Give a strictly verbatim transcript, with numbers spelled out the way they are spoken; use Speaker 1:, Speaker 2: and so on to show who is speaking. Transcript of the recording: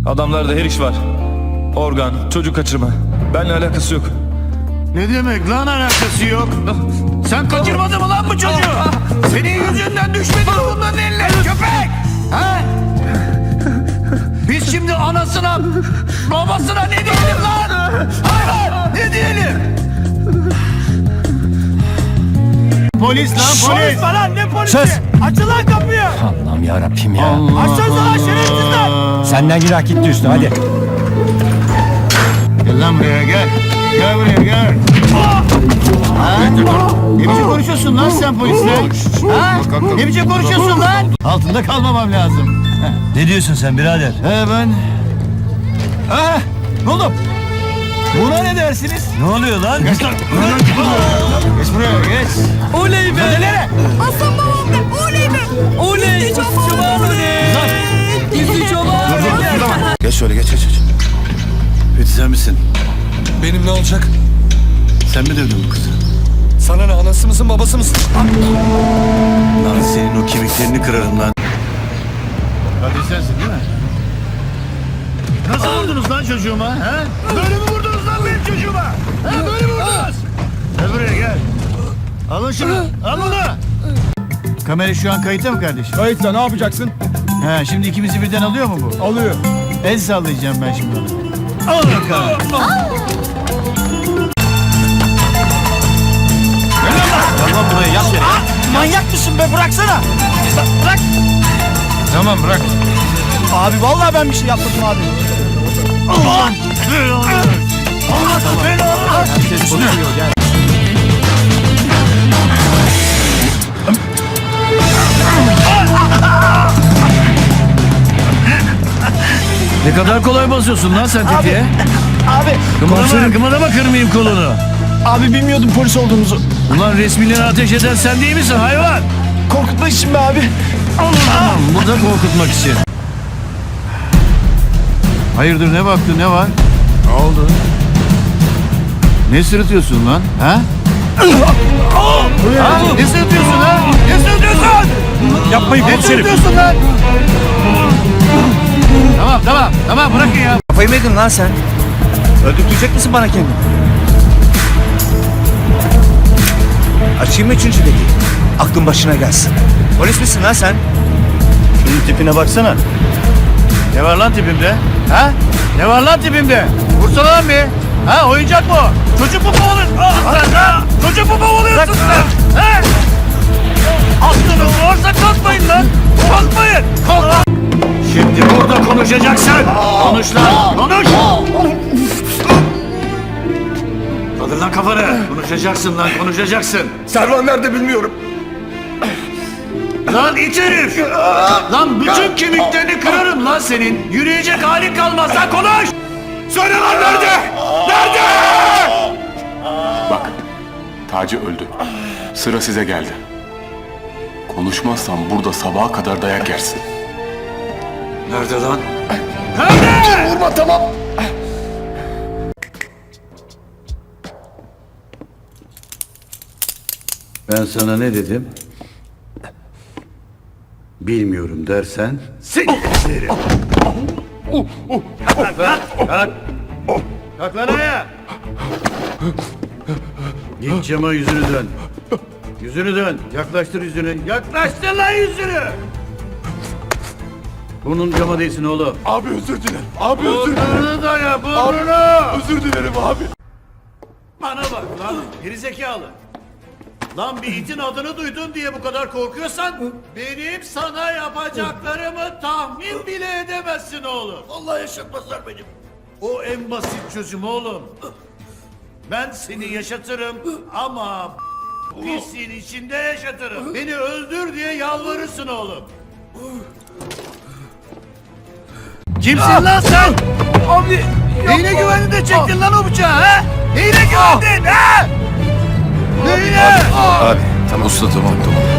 Speaker 1: Adamlarda her iş var. Organ, çocuk kaçırma. Benimle alakası yok.
Speaker 2: Ne demek lan alakası yok? Sen kaçırmadın mı lan bu çocuğu? Senin yüzünden düşmedi mi bunların eline köpek? Ha? Biz şimdi anasına, babasına ne diyelim lan? Hayvan ne diyelim? Polis lan polis.
Speaker 3: Polis falan ne polisi?
Speaker 4: Sus!
Speaker 3: Açın lan kapıyı.
Speaker 4: Allah'ım yarabbim ya.
Speaker 3: Açsanıza lan şerefsizler.
Speaker 4: Senden günah gitti üstüne hadi.
Speaker 2: Gel lan buraya gel. Gel buraya gel. Ha? Ne biçim konuşuyorsun lan sen polisle? Ha? Ne biçim konuşuyorsun lan? Altında kalmamam lazım.
Speaker 4: Ne diyorsun sen birader?
Speaker 2: He ben... Ha? Ne oldu? Buna ne dersiniz?
Speaker 4: Ne oluyor lan?
Speaker 2: Geç lan. Geç buraya geç.
Speaker 3: Oley be.
Speaker 2: Hadi nereye?
Speaker 5: Aslan babam be, oley be.
Speaker 3: Oley. Çoban oley. Bizi çoban.
Speaker 2: Geç şöyle geç geç. geç. Fethi sen misin?
Speaker 1: Benim ne olacak?
Speaker 2: Sen mi dövdün bu kızı?
Speaker 1: Sana ne, anası mısın babası mısın?
Speaker 2: Lan senin o kemiklerini kırarım lan. Hadi sensin değil mi? Nasıl vurdunuz lan çocuğuma? He? Böyle mi vurdunuz lan benim çocuğuma? He böyle mi vurdunuz? Gel buraya gel. Alın şunu. Al bunu. Kamera şu an kayıtta mı kardeşim?
Speaker 3: Kayıtla ne yapacaksın?
Speaker 2: He şimdi ikimizi birden alıyor mu bu?
Speaker 3: Alıyor.
Speaker 2: El sallayacağım ben şimdi ona. Al bakalım. Gel lan buraya yat yere.
Speaker 3: Manyak mısın be, bıraksana. Bırak.
Speaker 2: Tamam bırak.
Speaker 3: Abi vallahi ben bir şey yapmadım abi.
Speaker 2: Aman. Allah belanı.
Speaker 4: Herkes konuşuyor gel.
Speaker 2: Ne kadar kolay basıyorsun lan sen tetiğe.
Speaker 3: Abi.
Speaker 2: Kımıldama, kımıldama kırmayayım kolunu.
Speaker 3: Abi bilmiyordum polis olduğumuzu.
Speaker 2: Ulan resmileri ateş eden sen değil misin hayvan?
Speaker 3: Korkutmak için be abi.
Speaker 2: Tamam, burada korkutmak için. Hayırdır ne baktın ne var? Ne oldu? Ne sırıtıyorsun lan? Ha? ha? Ne sırıtıyorsun ha? Ne sırıtıyorsun?
Speaker 4: Yapmayın
Speaker 2: Ne sırıtıyorsun lan? Tamam tamam tamam bırakın ya.
Speaker 4: Kafayı mı yedin lan sen? Öldürtecek misin bana kendini? Açayım mı üçüncü deliği? Aklın başına gelsin. Polis misin lan sen?
Speaker 2: Şunun tipine baksana. Ne var lan tipimde? Ha? Ne var lan tipimde? Vursana lan bir. Ha oyuncak mı? Çocuk mu kovalıyorsun? Ha? Çocuk mu kovalıyorsun sen? Ha? Aklınız varsa kalkmayın lan. Kalkmayın. Kalk. Şimdi burada konuşacaksın. Konuş lan. Konuş. Kaldır lan kafanı. Konuşacaksın lan konuşacaksın.
Speaker 1: Servan nerede bilmiyorum.
Speaker 2: Lan it herif! Lan bütün kemiklerini kırarım lan senin. Yürüyecek halin kalmaz lan konuş! Söyle lan nerede? Nerede?
Speaker 6: Bak, Taci öldü. Sıra size geldi. Konuşmazsan burada sabaha kadar dayak yersin.
Speaker 2: Nerede lan? Nerede?
Speaker 1: Vurma tamam.
Speaker 2: Ben sana ne dedim? Bilmiyorum dersen... Seni keserim. Kalk lan! Kalk! Kalk lan ayağa! Git cama yüzünü dön. Yüzünü dön. Yaklaştır yüzünü. Yaklaştır lan yüzünü! Burnun cama değsin oğlum.
Speaker 1: Abi özür dilerim. Abi özür dilerim.
Speaker 2: Burnunu daya burnunu!
Speaker 1: Özür dilerim abi.
Speaker 2: Bana bak lan gerizekalı. Lan bir itin adını duydun diye bu kadar korkuyorsan benim sana yapacaklarımı tahmin bile edemezsin oğlum.
Speaker 1: Vallahi yaşatmazlar beni.
Speaker 2: O en basit çözüm oğlum. Ben seni yaşatırım ama pisliğin içinde yaşatırım. Beni öldür diye yalvarırsın oğlum. Kimsin lan sen?
Speaker 3: Abi.
Speaker 2: Neyine güvendin de çektin lan o bıçağı ha? Neyine güvendin ha? Neyine?
Speaker 1: Abi tamam usta tamam tamam.